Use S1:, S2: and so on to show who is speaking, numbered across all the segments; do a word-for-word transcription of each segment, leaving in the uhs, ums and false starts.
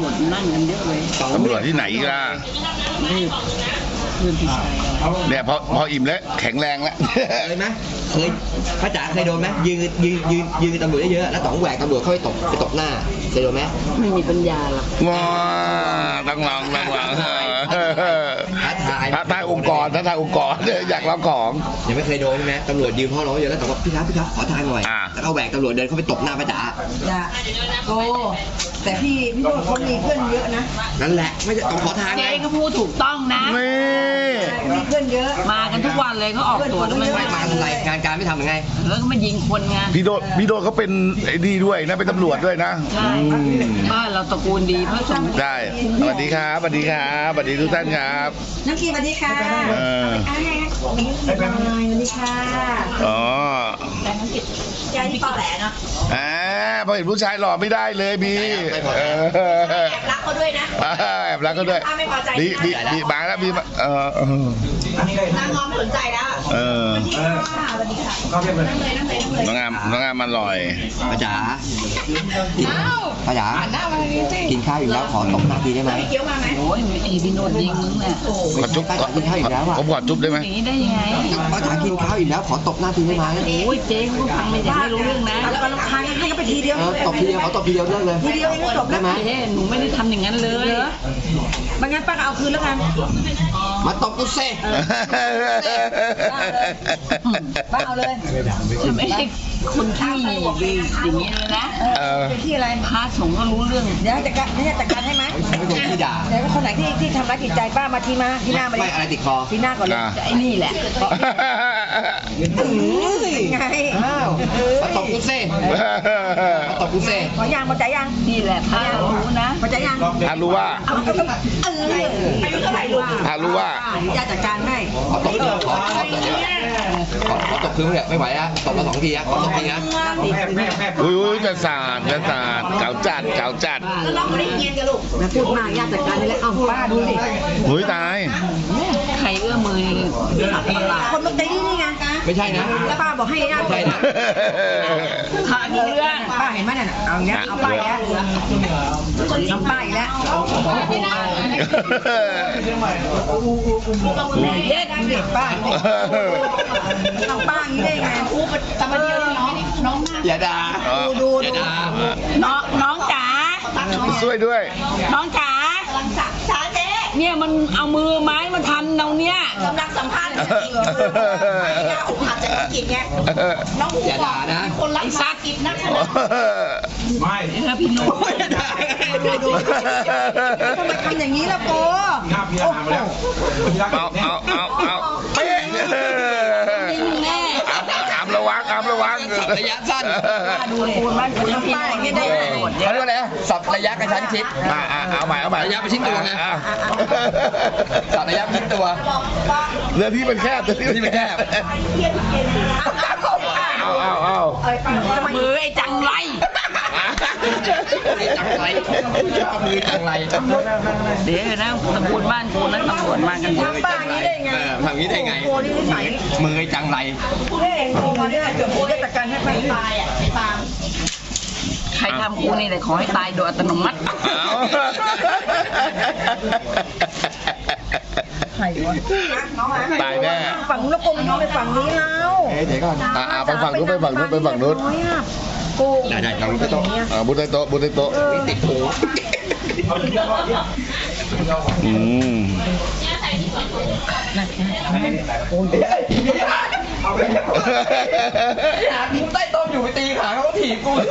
S1: จนั่งกันเยอะเลย
S2: ตำรวจที่ไหนล่ะ
S1: นี่เพื่อนพี่ชาย
S2: เนี่ยพอพออิ่มแล้วแข็งแรงแล้ว
S3: เคยไหมเคยพระจ๋าเคยโดนไหมยืนยืนยืนยืนตำรวจเยอะๆแล้วต๋องแหวกตำรวจเข้าไปตบไปตบหน้าเคยโดนไหม
S1: ไม่มีปัญญาหรอก
S2: ว้าต้องลองต้องลอง
S3: ท้าทาย
S2: ท้าทายองค์กรท้าทายองค์กรอยากลองของ
S3: ยังไม่เคยโดนใช่ไหมตำรวจยืนพ่อร้องเยอะแล้วต๋องบอกพี่ครับพี่ครับขอทางหน่อย
S2: อ่า
S3: แล้วก็แหวกตำรวจเดินเข้าไปตบหน้าพระจ๋า
S4: จ้ะโอ้แต่พี่พี่โน้ตเขามีเพื่อนเยอะนะ
S3: นั่นแหละไม่ใช่ต้องขอทางไง
S1: เจ๊ก็พูดถูกต้องนะ
S2: นี่
S4: มีเพื่อนเยอะ
S1: มากันทุกวันเลยเขาออกตัวทำไม
S3: ไม่มาทำไรงานการไม่ทำยังไง
S1: แล้วก็มายิงคนไง
S2: พี่โดดพี่โดดเขาเป็นไอ้นี่ด้วยนะเป็นตำรวจด้วยนะ
S1: ใช่
S2: อืม
S1: บ้านเราตระกูลดีพระสงฆ์
S2: ได้สวัสดีครับสวัสดีครับสวัสดีทุกท่านครับ
S4: น้องกีสวัสดีค่ะ
S2: เออ
S4: อ่าวันนี้สวัสดีค่ะ
S2: อ๋อ
S4: ยายที่ปอแหลเนาะ
S2: อ่าพอเห็นผู้ชายหล่อไม่ได้เลยบีเออ
S4: แอบรักเขาด้วยนะ
S2: แอบรักก็ด้วย
S4: ถ้าไม่พอใจ
S2: บีบีบีมาแล้วบีมาเออเออน
S4: างงอมสนใจแล้ว
S2: เออ
S4: สวัสดีค่ะสวัสดีค่ะนั่งเลยนั่งเลยนั่งเลย
S2: น้องงามน้องงามมันอร่อย
S3: พระจ๋ากินพระจ๋ากินข้าวอยู่แล้วขอตบหน้าทีได้ไหม
S4: เคี้ยวมาไหม
S1: โอ้ยไอ้พี่โนดยิงมึงน่ะ
S2: ขอจุ๊บ
S3: พระจ๋ากินข้าวอีกแล้วอ่ะ
S2: ผมขอจุ๊บได้ไหม
S1: อย่างนี้ได้ยังไง
S3: พระจ๋ากินข้าวอีกแล้วขอตบหน้าทีได้ไหม
S1: โอ้ยเจ๊ก็ฟังไม่ได้ไม่รู้เรื่องนะ
S4: แล้วก็ลำคาญให้เขาไปทีเดียว
S3: เออตบทีเดียวขอตบทีเดียวเลิกเลย
S4: ทีเดียวเองก็จบ
S3: ได้
S4: แล้ว
S3: ไหม
S1: เจ๊หนูไม่ได้ทำอย่างนั้นเลย
S4: บางงั้นป้าก็เอาคืนแล้วกัน
S3: มาตบกูเซ่
S4: ป้าเอาเลย
S1: จะไม่ใช่คนที่ดีอย่างนี้เลยนะ
S2: เออ
S4: เป็นที่อะไร
S1: พระสงฆ์ก็รู้เรื่อง
S4: เดี๋ยวจัดการนี่จัดการให้ไหม
S3: ไม่ใช่คนที่ด่า
S4: เดี๋ยวคนไหนที่ที่ทำร้ายจิตใจป้ามาทีมาที่หน้ามาเล
S3: ไม่
S4: ย
S3: อะไรติดคอ
S4: ที่หน้าก่อนเลย
S2: อ่ะ
S1: ไอ้นี่แหละ
S4: ไง
S3: อ้าวมาตบกูเซ่มาตบกูเซ่
S4: ขอยางมาใจยัง
S1: นี่แหละพระรู้นะ
S4: มาใจยัง
S2: อารู้ว่า
S4: เอาเอาเอาเอออายุเท่าไหร่ลูก
S2: อารู้ว่า
S4: ญาติจัดการให้
S3: ขอตบขอขอขอขอตบคืนเนี่ยไม่ไหวแล้วตบมาสองทีอะขอตบทีนะ
S2: อุ้ยอุ้ยจะสาดจะสาดเก่าจัดเก่าจัด
S4: แล้วน้องไม่ได้เงียนกันลูกมาพูดมากญาติจัดการนี่แหละเอาป้าดูสิ
S2: อุ้ยตาย
S1: ใครเอื้อมมือหักตลาด
S4: คนมาตีนี่ไง
S3: ไม่ใช่นะ
S4: แล้วป้าบอกให้ญาติ
S3: ไม่ใช่นะ
S1: พระเรื่อง
S4: ป้าเห็นไหมเนี่ยเอาอย่างเงี้ยเอาป้าอีกแล้วทำป้าอีกแล้ว
S1: เย็ด
S4: เด็กป้าทำป้าอย่างนี้ได้ไงอู้แต่มาเดียวน้องน้องหน้า
S3: อย่าด่า
S4: ดูดู
S3: อย่าด่า
S1: น้องน้องจ๋า
S2: ช่วยด้วย
S1: น้องจ๋าก
S4: ำลังสักช้าเจ๊
S1: เนี่ยมันเอามือไม้มาทันเราเนี่ย
S4: กำลังสัมภาษณ์จริงไม่ยาอกหักจากกิจไงน้องหู
S3: อย่าด่านะ
S4: คนรักษากิจนักขนาด
S1: แล้วพี่โน้ต
S4: ดูดูทำไมทำอย่างนี้ล่ะโปโอ้โห
S2: เอาเอาเอาเอาเป๊ะ
S1: แน่
S2: อามระวังอามระวัง
S3: สับระยะสั้น
S1: ดูเลยคนบ้านคุณพี่
S4: ป้า
S1: โน้
S4: อย่างนี้
S1: ต
S4: ได้
S1: ได้
S4: ไง
S1: หมด
S3: เขาเรียกว่าอะไรนะสับระยะกระชั้นชิด
S2: อ่าอ่าเอาใหม่เอาใหม่
S3: ระยะประชิดตัวไง
S2: อ่ะ
S3: สับระยะประชิดตัว
S2: เรือที่มันแคบเรือ
S3: เรือที่มันแคบ
S2: เอาเอาเอา
S1: มือไอ้จังไร
S3: จังไรมือจังไร
S1: เดี๋ยวนะตำรวจบ้านกูนั้นตำรวจมากันเยอะ
S4: ป้าอย่างนี้ได้ไง
S3: ทำงี้ได้ไง
S4: โปนี่นิสัย
S3: มือจังไร
S4: เฮ้ยโปมาได้เกือบโปได้จัดการให้ป้าตายอ่ะตาม
S1: ใครทำกูนี่แต่ขอให้ตายโดยอัตโนมัติ
S2: เอา
S4: ใครวะน้องอ่ะ
S2: ตายแน่
S4: ฝั่งนู้นแล้วโปมันไปฝั่งนี้แล้ว
S3: เอ๊ะเดี๋ยวก่อน
S2: อ่าอ่าไปฝั่งนู้นไปฝั่งนู้นไปฝั่งนู้น
S4: โป
S3: ได้ได้ลองไปโต๊ะ
S2: อ่าบุญใต้โต๊ะบุญใต้โต๊ะ
S3: ติดหู
S2: อืม
S3: กูใต้โต๊ะอยู่ไปตีขาเขาก็ถีบกู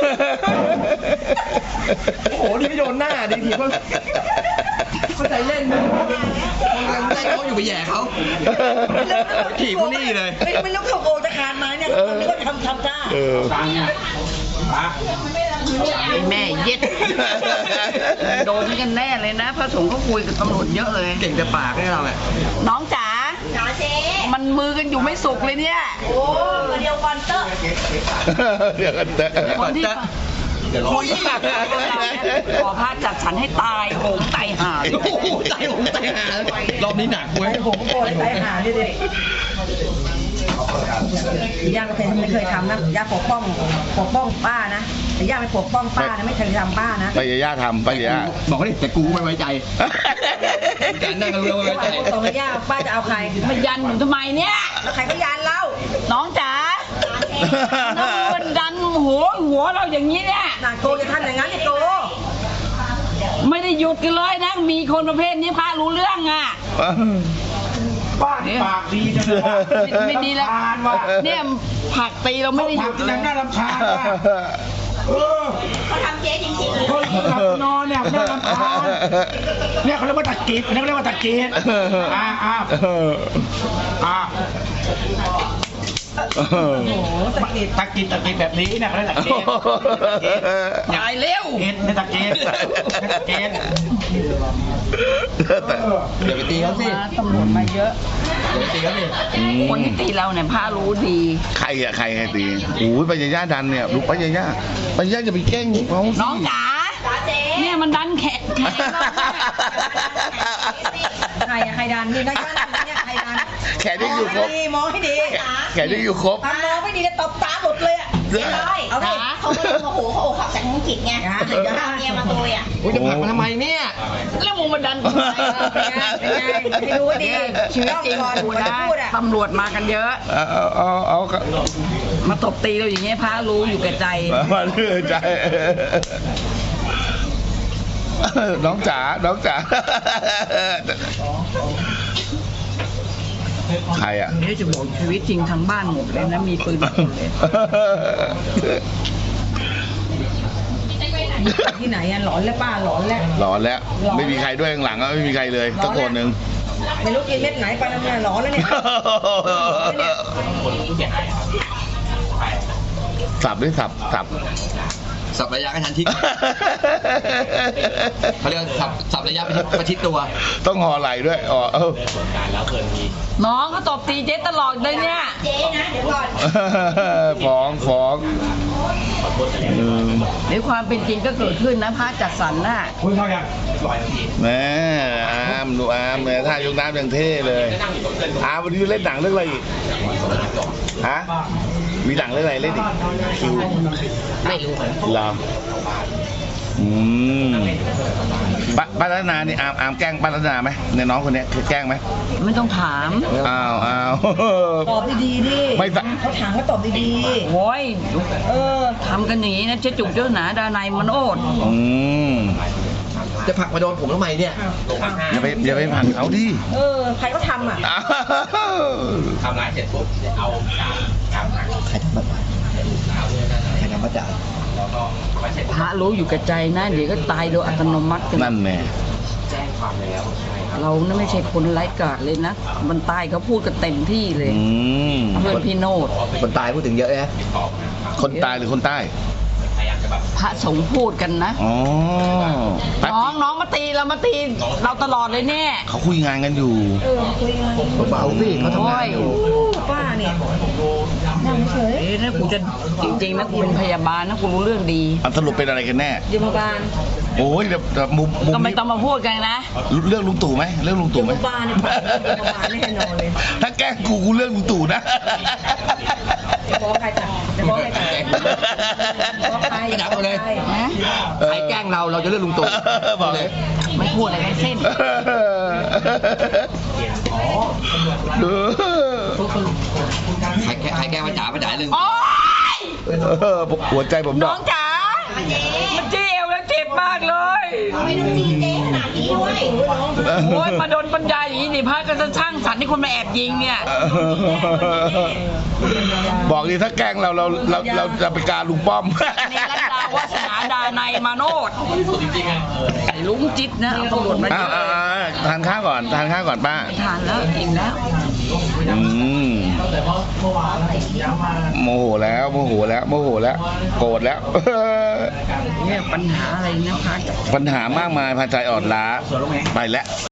S3: โอ้โหนี่ไม่โดนหน้าดิถีบเขาเข้าใจเล่นใต้โต๊ะอยู่ไปแย่เขาถีบเขานี่เลย
S4: ไม่ไม่รู้เขาโปจะคานมาเนี่ยคนนี้ก็ทำทำท่า
S2: เออ
S1: แม่เย็ดโดนกันแน่เลยนะพระสงฆ์เขาคุยกับตำรวจเยอะเลย
S3: เก่งแต่ปากให้เราแหละ
S1: น้องจ๋า
S4: จ๋าเจ๊
S1: มันมือกันอยู่ไม่สุกเลยเนี่ย
S4: โอ้เดียวกันเตอร์
S2: เดี๋ยวกันเตะ
S1: คนที่คนที่ขอพระจัดสรรให้ตายโหงตายห่าเลย
S3: โอ้โหใจผมใจหารอบนี้หนักเว้ย
S4: ผมโปเลยสายหาดิดิย่างก็เป็นไม่เคยทำนะย่าปกป้องปกป้องป้านะแต่ย่าไปปกป้องป้านะไม่เคยทำป้านะ
S2: ไปย่าทำไปย่า
S3: บอกเขาดิแต่กูไม่ไว้ใจแต่นั่งกันรู้ว่าไว้ใจ
S4: ตรงกับย่าป้าจะเอาใคร
S1: มายันหนูทำไมเนี่ย
S4: แล้วใครก็ยานเล่า
S1: น้องจ๋าน้องมันดันหัวหัวเราอย่างนี้เนี่ย
S4: น่าโกจะทำอย่างนั้นนี่โก
S1: ไม่ได้หยุดกันเลยนะ มีคนประเภทนี้พระรู้เรื่องอ่ะ
S5: บ้านปากดีจังเลยว่ะ
S1: ไม่ไม่ดีแล้ว
S5: รำคาญว่ะ
S1: เนี่ยผลักตีเราไม่ได้ห
S5: ผั
S1: ยุ
S5: ก
S1: ด
S5: ที่
S1: เล
S5: ยั
S1: ย
S5: งน่ารำคาญว่ะเออ
S4: เขาทำเจ๊จริงๆเลย
S5: คนหลับนอนเนี่ยน่ารำคาญเนี่ยเขาเรียกว่าตะกิดเนี่ยเขาเรียกว่าตะกิดอ่าอ่าอ่า
S4: โอ้โหสะกิด
S5: ตะกิดตะกิดแบบนี้เนี่ยเขาเรียกตะกิด
S1: ตายเร็ว
S5: เอ็นเนี่ยตะกิดตะกิด
S3: เดี๋ยวไปตีเขาสิ
S1: มาตำรวจมาเยอะ
S3: เดี๋ยวไปตีเขาสิ
S1: คนที่ตีเราเนี่ยพระรู้ดี
S2: ใครอะใครใครตีโอ้ยไปย่าดันเนี่ยลูกไปย่าไปย่าจะไปแกล้งเขาสิ
S1: น้องจ๋าเนี่ยมันดันแขกแขกเราเนี่ย
S4: ใครอะใครดันนี่นะย่าดันเนี่ยใครดัน
S2: แขนยังอยู่ครบ
S4: มองให้ดี
S2: แขนยังอยู่ครบ
S4: ทำมองไม่ดีจะตบตาหลุดเลยอะ
S2: เรียบร้อย
S4: เอาดิ
S6: เขาก็เลยโมโหเขาอกหักจากธุรกิจไง
S4: อย่า
S6: ถึง
S4: อย่า
S6: จะเอาเมียมาโกยอ่ะ
S3: โอ้ยจะผลักมาทำไมเนี่ย
S1: แล้วมึงมาดันทำไม
S4: เป็นไงเป็นไงให้รู้ว่าดี
S1: ชีวิตจริง
S4: ก่อน
S1: กู
S4: ก่อน
S1: นะ
S4: จะพูดอะ
S1: ตำรวจมากันเยอะ
S2: เอาเอาเอาเอา
S1: มาตบตีเราอย่างเงี้ยพระรู้อยู่แก่ใจ
S2: มาเรื่อยใจ น้องจ๋า น้องจ๋า ใครอ่ะ
S1: เดี๋ยวจะบอกชีวิตจริงทั้งบ้านหมดเลยนะ มีปืนหมดเลย
S4: ที่ไหนอะหลอนแล้วป้าหลอนแล้ว
S2: หลอนแล้ว ไม่มีใครด้วยข้างหลังอะไม่มีใครเลยสักคนหนึ่ง
S4: ไม่รู้กินเม็ดไหนไปแล้วเนี่ยหลอนแล้วเนี่ย
S2: สับด้วยสับสับ
S3: สับระยะกระชั้นชิดเขาเรียกว่าสับสับระยะประชิดตัว
S2: ต้องห่อไหลด้วยอ๋อเออ
S1: น้องเขาตบตีเจ๊ตลอดเลยเนี่ย
S6: เจ๊นะเดี๋ยวก่อน
S2: ฟ้องฟ้องอืม
S1: ในความเป็นจริงก็เกิดขึ้นนะพระจัดสรรน่ะ
S5: คุณเข้ายัง
S2: แม่อามดูอามเนี่ยท่ายกน้ำอย่างเท่เลยอามวันนี้เล่นหนังเรื่องอะไรอีกฮะมีหนังเรื่องอะไรเล่นอีกคิวไม่รู้เหรออืมป้าป้ารัตนานี่อามอามแกล้งป้ารัตนาไหมในน้องคนเนี้ยคือแกล้งไหม
S1: ไม่ต้องถาม
S2: อ้าวอ้าว
S4: ตอบดีๆดิ
S2: ไม่ตะ
S4: เขาถามก็ตอบดี
S1: โอ้ย
S4: ๆเออ
S1: ทำกันอย่างนี้นะเจ๊จุกเจ้าหนาดานายมันโอด
S2: อืม
S3: จะผลักมาโดนผมทำไมเนี่ย
S2: อย่าไปอย่าไปผลักเขาดิ
S4: เออ ใครก็ทำอ่ะ
S2: อ้าว
S3: ทำร้ายเสร็จปุ๊บเอาใครทำบัตรใครทำบัตรจ่าย
S1: พระรู้อยู่กับใจนะ เดี๋ยวก็ตายโดยอัตโนมัติกัน
S2: นั่นแน่
S1: เรานะไม่ใช่คนไร้กาจเลยนะ มันตายเขาพูดกันเต็มที่เลย
S2: อืม
S1: เพื่อนพี่โนด
S3: คนตายพูดถึงเยอะนะ
S2: คนตายหรือคนใต้
S1: พระสงฆ์พูดกันนะ
S2: อ๋อ
S1: น้องน้องมาตีเรามาตีเราตลอดเลยเนี่ย
S2: เขาคุยงานกันอยู่
S4: เออคุยกัน
S3: เบาๆสิเขาทำงานอยู่
S4: ป้าเนี่ยนั่งเฉย
S1: เอ๊ะนะกูจะจริงๆนะกูเป็นพยาบาลนะกูรู้เรื่องดี
S2: อันสรุปเป็นอะไรกันแน่
S4: ยมบาล
S2: โอ้ยแต่แต่มุมมุม
S1: ก็ไม่
S2: นี้
S1: ต้องมาพูดกันนะ
S2: เรื่องลุงตู่ไหมเรื่องลุง
S4: ย
S2: ตู่ไห
S4: ม
S2: ม
S4: บาลเนี่ยยมบาลแน่นอนเลย
S2: ถ้าแกล้งกูกูเรื่องลุงตู่นะ
S4: จะฟ้องใครตัดจะฟ้องใครตัดฟ้องใคร
S3: ไม่ดับเลย
S1: นะ
S3: ใครแกล้งเราเราจะเลือกลุงตู่
S2: บอกเลย
S1: ไม่พูดอะไรทั้งสิ้น
S3: ใครแกล้งใครแกล้งมาจ๋ามาจ๋าเรื่อง
S1: โอ๊ย
S2: เออหัวใจผมด
S1: น้
S2: อ
S1: อก งจ๋ามันจี้เอวแล้วเจ็บมากเลย
S6: ไม่ต้องจีเจ๊ขนาดนี้ด้วย
S1: โอ้ยมาโดนปัญญาอย่างนี้นี่พระก็จะช่างสรรค์ที่คนมาแอบยิงเนี่ย
S2: บอกดิถ้าแกล้งเราเราเราเราจะไปการลุงป้อม
S1: นี่รัตดาวาสนาดานายมาโนดไอ้ลุงจิตนะเอาตำรวจมาเย
S2: อ้าว
S1: อะ
S2: อ้าวอ้าวทานข้าวก่อนทานข้าวก่อนป้า
S1: ทานแล้วอิ่มแล้ว
S2: อืมโมโหแล้วโมโหแล้วโมโหแล้วโกรธแล้ว
S1: เนี่ยปัญหาอะไรนะพระ
S2: ปัญหามากมายพาใจอ่อนล้าไปแล้ว